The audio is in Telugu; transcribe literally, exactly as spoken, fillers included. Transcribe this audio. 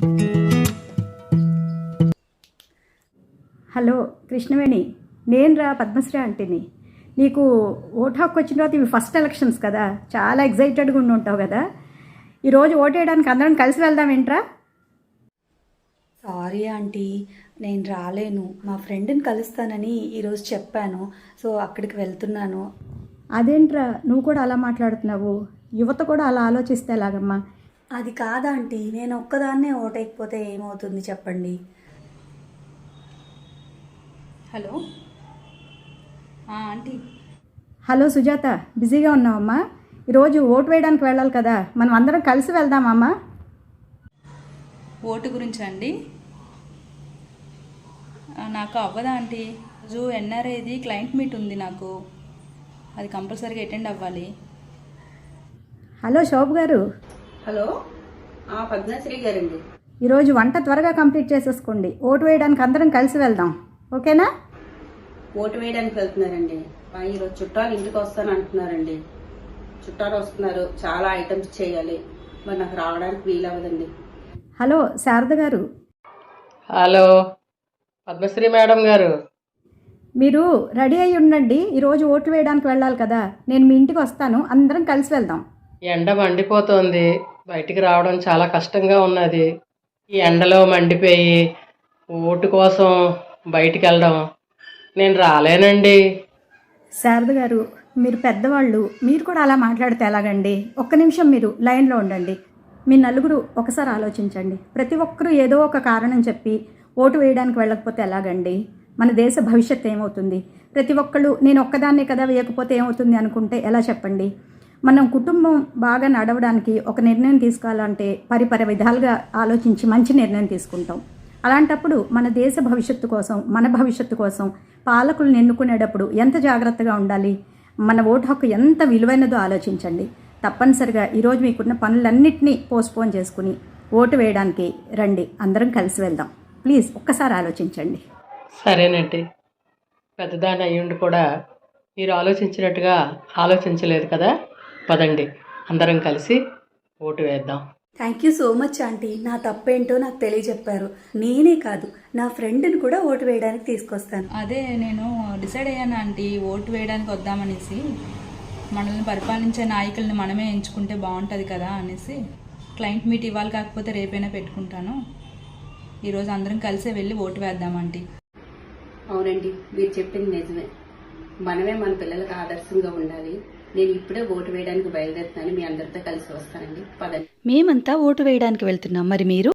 హలో కృష్ణవేణి, నేను రా పద్మశ్రీ ఆంటీని. నీకు ఓటు హక్కు వచ్చిన తర్వాత ఇవి ఫస్ట్ ఎలక్షన్స్ కదా, చాలా ఎగ్జైటెడ్గా ఉండి ఉంటావు కదా. ఈరోజు ఓటు వేయడానికి అందరం కలిసి వెళ్దాం ఏంట్రా? సారీ ఆంటీ, నేను రాలేను. మా ఫ్రెండ్ని కలుస్తానని ఈరోజు చెప్పాను, సో అక్కడికి వెళ్తున్నాను. అదేంట్రా నువ్వు కూడా అలా మాట్లాడుతున్నావు? యువత కూడా అలా ఆలోచిస్తే ఎలాగమ్మా? అది కాదా ఆంటీ, నేను ఒక్కదాన్నే ఓటేయకపోతే ఏమవుతుంది చెప్పండి. Hello aunty. హలో సుజాత, బిజీగా ఉన్నావమ్మా? ఈరోజు ఓటు వేయడానికి వెళ్ళాలి కదా, మనం అందరం కలిసి వెళ్దామమ్మా. ఓటు గురించి అండి? నాకు అవ్వదా ఆంటీ. రోజు ఎన్ఆర్ఐది క్లయింట్ మీట్ ఉంది నాకు, అది కంపల్సరీగా అటెండ్ అవ్వాలి. హలో శోభ్ గారు. హలో పద్మశ్రీ గారండి. ఈరోజు వంట త్వరగా కంప్లీట్ చేసేసుకోండి, ఓటు వేయడానికి అందరం కలిసి వెళ్దాం, ఓకేనా? ఓటు వేయడానికి వెళ్తున్నారండి. ఈరోజు చుట్టాలు ఇంటికి వస్తాను అంటున్నారండి. చుట్టాలు వస్తున్నారు, చాలా ఐటమ్స్ చేయాలి, మరి నాకు రావడానికి వీలవ్వదండి. హలో శారద గారు. హలో పద్మశ్రీ మేడం గారు. మీరు రెడీ అయ్యి ఉండండి, ఈరోజు ఓట్లు వేయడానికి వెళ్ళాలి కదా, నేను మీ ఇంటికి వస్తాను, అందరం కలిసి వెళ్దాం. ఎండ మండిపోతుంది, బయటికి రావడం చాలా కష్టంగా ఉన్నది. ఈ ఎండలో మండిపోయి ఓటు కోసం బయటికి వెళ్ళడం నేను రాలేనండి. శారద గారు, మీరు పెద్దవాళ్ళు, మీరు కూడా అలా మాట్లాడితే ఎలాగండి? ఒక్క నిమిషం మీరు లైన్లో ఉండండి. మీ నలుగురు ఒకసారి ఆలోచించండి. ప్రతి ఒక్కరూ ఏదో ఒక కారణం చెప్పి ఓటు వేయడానికి వెళ్ళకపోతే ఎలాగండి? మన దేశ భవిష్యత్తు ఏమవుతుంది? ప్రతి ఒక్కళ్ళు నేను ఒక్కదాన్నే కదా వేయకపోతే ఏమవుతుంది అనుకుంటే ఎలా చెప్పండి? మనం కుటుంబం బాగా నడవడానికి ఒక నిర్ణయం తీసుకోవాలంటే పరిపరి విధాలుగా ఆలోచించి మంచి నిర్ణయం తీసుకుంటాం. అలాంటప్పుడు మన దేశ భవిష్యత్తు కోసం, మన భవిష్యత్తు కోసం పాలకులను ఎన్నుకునేటప్పుడు ఎంత జాగ్రత్తగా ఉండాలి? మన ఓటు హక్కు ఎంత విలువైనదో ఆలోచించండి. తప్పనిసరిగా ఈరోజు మీకున్న పనులన్నింటినీ పోస్ట్పోన్ చేసుకుని ఓటు వేయడానికి రండి, అందరం కలిసి వెళ్దాం. ప్లీజ్ ఒక్కసారి ఆలోచించండి. సరేనండి, పెద్దదాని అయ్యుండి కూడా మీరు ఆలోచించినట్టుగా ఆలోచించలేదు కదా. పదండి, అందరం కలిసి ఓటు వేద్దాం. Thank you so much aunty, నా తప్పేంటో నాకు తెలియజెప్పారు. నేనే కాదు, నా ఫ్రెండ్ని కూడా ఓటు వేయడానికి తీసుకొస్తాను. అదే నేను డిసైడ్ అయ్యాను ఆంటీ, ఓటు వేయడానికి వద్దామనేసి. మనల్ని పరిపాలించే నాయకుల్ని మనమే ఎంచుకుంటే బాగుంటుంది కదా అనేసి. క్లయింట్ మీట్ ఇవ్వాలి, కాకపోతే రేపైనా పెట్టుకుంటాను. ఈరోజు అందరం కలిసే వెళ్ళి ఓటు వేద్దామంటీ. అవునండి, మీరు చెప్పింది నిజమే. మనమే మన పిల్లలకు ఆదర్శంగా ఉండాలి. నేను ఇప్పుడే ఓటు వేయడానికి బయలుదేరుతాను, మీ అందరితో కలిసి వస్తానండి. పదండి. మేమంతా ఓటు వేయడానికి వెళ్తున్నాం, మరి మీరు?